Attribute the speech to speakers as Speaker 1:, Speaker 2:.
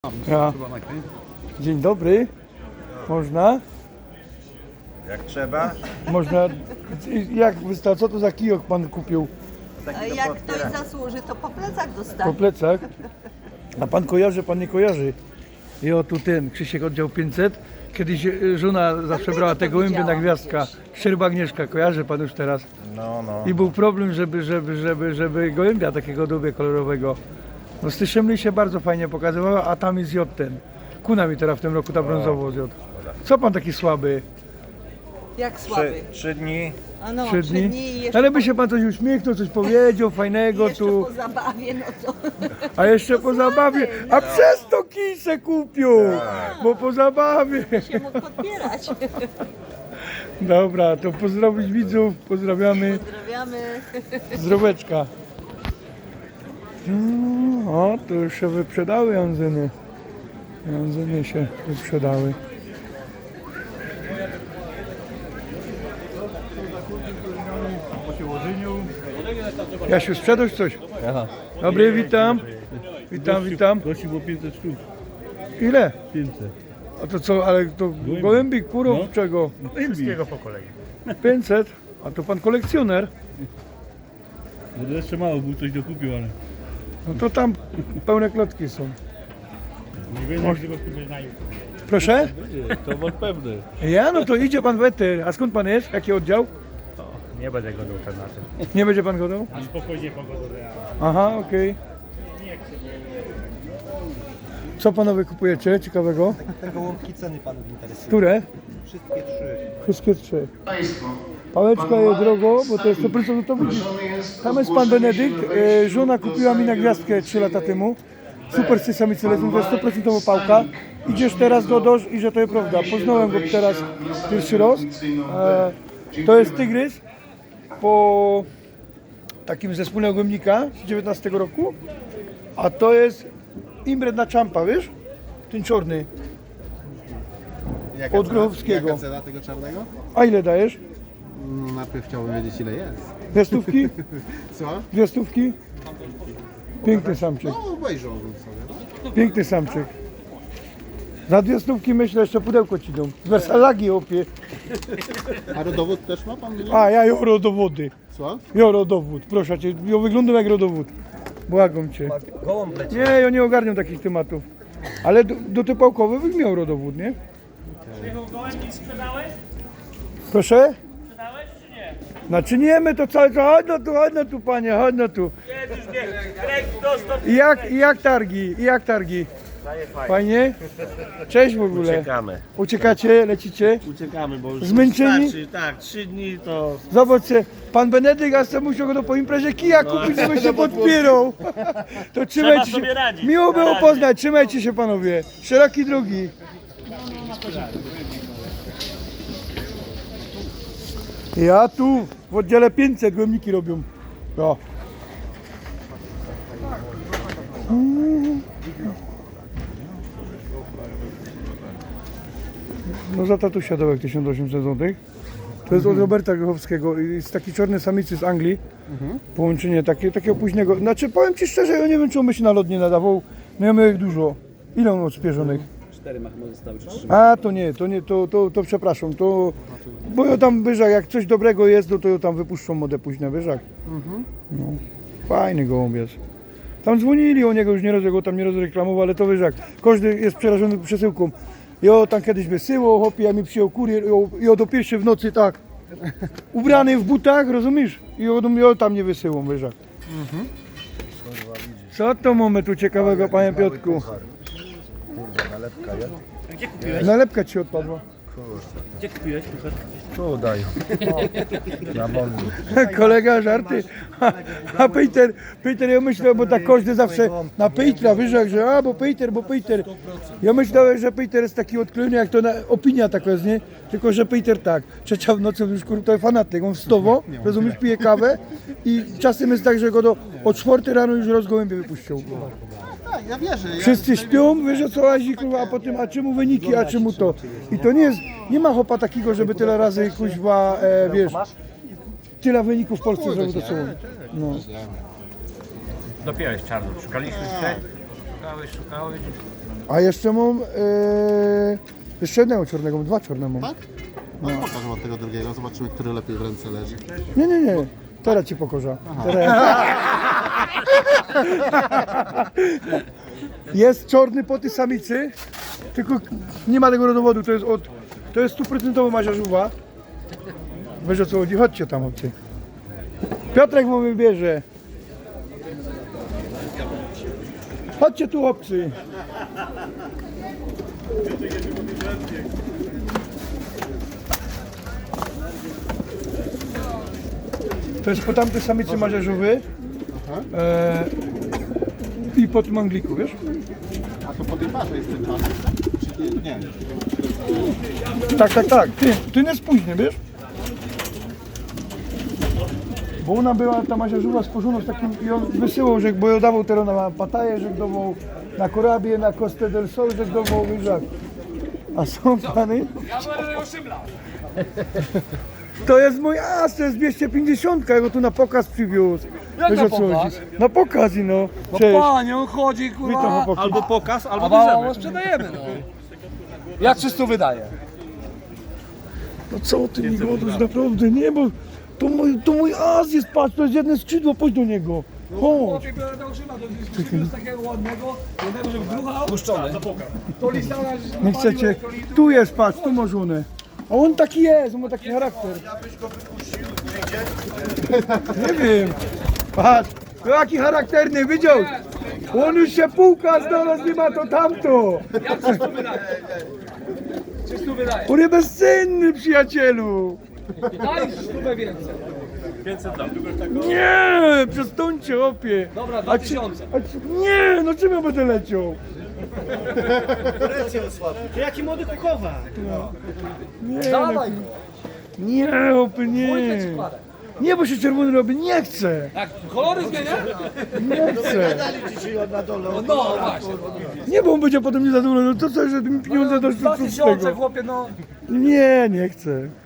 Speaker 1: Ja. Dzień dobry. Można?
Speaker 2: Jak trzeba?
Speaker 1: Można. Jak wystarczy? Co to za kijok pan kupił?
Speaker 3: Jak ktoś zasłuży, to po plecach
Speaker 1: Po
Speaker 3: dostanie.
Speaker 1: plecach? A pan kojarzy, pan nie kojarzy. I o tu ten Krzysiek oddział 500. Kiedyś żona zawsze brała tego gołębia na gwiazdka. Szczerba Agnieszka, kojarzy pan już teraz.
Speaker 2: No.
Speaker 1: I był problem, żeby gołębia takiego dubie kolorowego. No z tej Szemli się bardzo fajnie pokazywała, a tam jest J ten. Kuna mi teraz w tym roku ta brązowo z J. Co pan taki słaby?
Speaker 3: Jak słaby.
Speaker 2: Trzy dni.
Speaker 3: A no,
Speaker 1: 3 dni?
Speaker 3: i jeszcze,
Speaker 1: Ale by się pan coś uśmiechnął, coś powiedział fajnego
Speaker 3: jeszcze
Speaker 1: tu.
Speaker 3: po zabawie, no to
Speaker 1: A jeszcze po zabawie. A przez to kij se kupił! Bo po zabawie.
Speaker 3: się mógł podpierać.
Speaker 1: Dobra, to pozdrowić widzów, pozdrawiamy.
Speaker 3: Pozdrawiamy.
Speaker 1: Zdroweczka. O, to już się wyprzedały Janzyny. Janzyny się wyprzedały. Jasiu, sprzedać coś?
Speaker 4: Aha.
Speaker 1: Dobry, witam. Witam.
Speaker 4: Gości było 500 sztuk.
Speaker 1: Ile?
Speaker 4: 500.
Speaker 1: A to co, ale to gołębik, kurów,
Speaker 4: No.
Speaker 1: czego?
Speaker 4: Wszystkiego po kolei.
Speaker 1: 500? A to pan kolekcjoner?
Speaker 4: Bo jeszcze mało, był ktoś dokupił, ale...
Speaker 1: No to tam pełne klotki są.
Speaker 4: Nie wiem, jak tego kupić na YouTube.
Speaker 1: Proszę?
Speaker 4: To wąt pewny.
Speaker 1: Ja? No to idzie pan w eter. A skąd pan jest? Jaki oddział?
Speaker 4: Nie będę go na tym.
Speaker 1: Nie będzie pan godał?
Speaker 4: A spokojnie pogodę.
Speaker 1: Aha, okej. Co panowie kupujecie ciekawego?
Speaker 5: Te gołąbki ceny panów interesują.
Speaker 1: Które?
Speaker 5: Wszystkie trzy.
Speaker 1: Wszystkie 3. Pałeczka jest drogo, bo to jest 100%, to widzi. Tam jest pan Benedykt. Żona kupiła mi na gwiazdkę 3 lata temu. Super samicy lecą, to jest 100% pałka. Idziesz teraz do doż i że to jest prawda. Poznałem go teraz pierwszy raz. To jest tygrys po takim zespole ogólnika z 19 roku. A to jest imbret na czampa, wiesz? Ten czarny. Od Grochowskiego.
Speaker 5: Jaka cena tego czarnego?
Speaker 1: A ile dajesz?
Speaker 5: No, najpierw chciałbym wiedzieć ile jest.
Speaker 1: 2 stówki?
Speaker 5: Co?
Speaker 1: 2 stówki? Piękny samczyk.
Speaker 5: No obejrzałbym sobie.
Speaker 1: Piękny samczyk. Za 2 stówki myślę, jeszcze pudełko ci dam. Z Wersalagi opie.
Speaker 5: A rodowód też ma pan?
Speaker 1: A ja joro do wody.
Speaker 5: Co?
Speaker 1: Joro dowód, proszę cię. Ja wyglądam jak rodowód. Błagam cię. Nie, ja nie ogarniam takich tematów. Ale do te pałkowe miał rodowód, nie?
Speaker 6: Gołębi sprzedałeś?
Speaker 1: Proszę?
Speaker 6: Sprzedałeś czy nie?
Speaker 1: Znaczy nie, my to cały czas, chodź no tu panie, chodź no tu.
Speaker 6: Nie, już nie. Krek dostęp.
Speaker 1: I jak targi? I jak targi? Fajnie? Cześć w ogóle.
Speaker 4: Uciekamy.
Speaker 1: Uciekacie, lecicie?
Speaker 4: Uciekamy, bo już
Speaker 1: Zmęczeni?
Speaker 4: starczy, tak, 3 dni to...
Speaker 1: Zobaczcie, pan Benedykt, a sobie musiał go po imprezie kija kupić, żeby się podpierał. To trzymajcie się.
Speaker 6: sobie radzić.
Speaker 1: Miło było
Speaker 6: Na razie.
Speaker 1: poznać, trzymajcie się panowie. Szeroki drogi. Ja tu w oddziale 500 gołębniki robią. Ja. No za tatusia dołek 1800 zł. To jest od Roberta Grochowskiego. Jest taki czarny samicy z Anglii. Połączenie takiego późnego. Znaczy powiem ci szczerze, ja nie wiem czy on by się na lot nie nadawał. No ja miał ich dużo. Ile on odśpieżonych?
Speaker 5: 4 ma chyba zostały, czy 3?
Speaker 1: A to nie, to przepraszam. Bo ja tam wyżak, jak coś dobrego jest, to ja tam wypuszczą modę późne wyżak. No, fajny gołąbiec. Tam dzwonili o niego, już nie raz ja go tam nie rozreklamował, ale to wyżak. Każdy jest przerażony przesyłką. Ja tam kiedyś wysyłał, chłopie, ja mi przyjął kurier i o do pierwszej w nocy tak. Ubrany w butach, rozumiesz? I ja tam nie wysyłam wyżak. Co to mamy tu ciekawego, panie Piotrku?
Speaker 2: Kurde, nalepka jest.
Speaker 1: Nalepka ci odpadła.
Speaker 6: Gdzie kupiłeś?
Speaker 2: Tu dają. Na wolny.
Speaker 1: Kolega żarty. A Peter, ja myślałem, bo tak każdy zawsze na Petera wyżak, że bo Peter. Ja myślałem, że Peter jest taki odklejony, jak to opinia taka jest, nie? Tylko, że Peter tak, 3 w nocy już to jest fanatyk, on wstowo, rozumiesz, pije kawę i czasem jest tak, że go o 4 rano już rozgołębie wypuścił.
Speaker 5: Tak, ja wierzę.
Speaker 1: Wszyscy śpią, wiesz o co chodzi, kurwa, a potem, a czemu wyniki, a czemu to. I to nie jest, nie ma chopa takiego, żeby tyle razy, kuźwa, wiesz, tyle wyników w Polsce, żeby to było. No.
Speaker 7: Dopiero jest czarno. Szukaliśmy się. Szukałeś.
Speaker 1: A jeszcze mam jeszcze jednego czarnego, mam 2 czarne mam.
Speaker 5: Tak? No pokażę wam tego drugiego, zobaczymy, który lepiej w ręce leży.
Speaker 1: Nie. Teraz ci pokorza. Teraz. Jest czarny po tej samicy, tylko nie ma tego rodowodu, to jest 100% maziarzuwa. Wiesz o co chodzi? Chodźcie tam, obcy. Piotrek mu wybierze. Chodźcie tu, obcy. To jest po tamtej samicy maziarzowy i po tym angliku, wiesz?
Speaker 5: A to po tej parze jest ten czas? Czy nie?
Speaker 1: Tak. Ty nie spóźny, wiesz? Bo ona była, ta maziarzowa stworzona z takim, i on wysyłał, że bo ją dawał teraz na Pattaję, że dawał na Korabię, na Costa del Sol, że dawał, wiesz jak. A są pany? To jest mój as, to jest 250, ja go tu na pokaz przywiózł. Wiesz o co chodzi? Na pokaz i no. Cześć.
Speaker 7: Panie, on chodzi,
Speaker 1: Witam,
Speaker 7: kurwa,
Speaker 1: chłopaki.
Speaker 2: Albo pokaz, albo
Speaker 7: a
Speaker 2: bierzemy.
Speaker 7: mało sprzedajemy, no. Ja 300 wydaję.
Speaker 1: No co ty mi godasz, naprawdę, nie, bo to mój as jest, patrz, to jest jedno skrzydło, pójdź do niego. Chodź.
Speaker 7: Chłopie, biorę do użyma, to jest takiego ładnego, jednego, żeby druga puszczony. To listana,
Speaker 1: Nie chcecie, tu jest, patrz, tu ma żonę. A on taki jest, on ma taki charakter. Nie wiem, patrz, jaki charakterny, widział? On już się półka znalazł, nie ma to tamto.
Speaker 7: Ja 300 wydaję. 300 wydaję.
Speaker 1: On jest bezcenny, przyjacielu.
Speaker 7: Daj 100 więcej.
Speaker 1: Nie, przestańcie, opie.
Speaker 7: Dobra, 2000.
Speaker 1: Nie, no czym ja będę leciał?
Speaker 6: Jaki młody kuchowa?
Speaker 1: Nie,
Speaker 7: Dawaj,
Speaker 1: nie, opie,
Speaker 7: dwójkę ci
Speaker 1: nie.
Speaker 7: kładę.
Speaker 1: Nie, bo się czerwony robi, nie chcę.
Speaker 7: Jak kolory zmienia?
Speaker 1: Nie chcę.
Speaker 7: No właśnie.
Speaker 1: Nie, bo on będzie potem niezadowolony. No to co, że mi pieniądze doszły z
Speaker 7: 2000,
Speaker 1: tego.
Speaker 7: chłopie, no.
Speaker 1: Nie, nie chcę.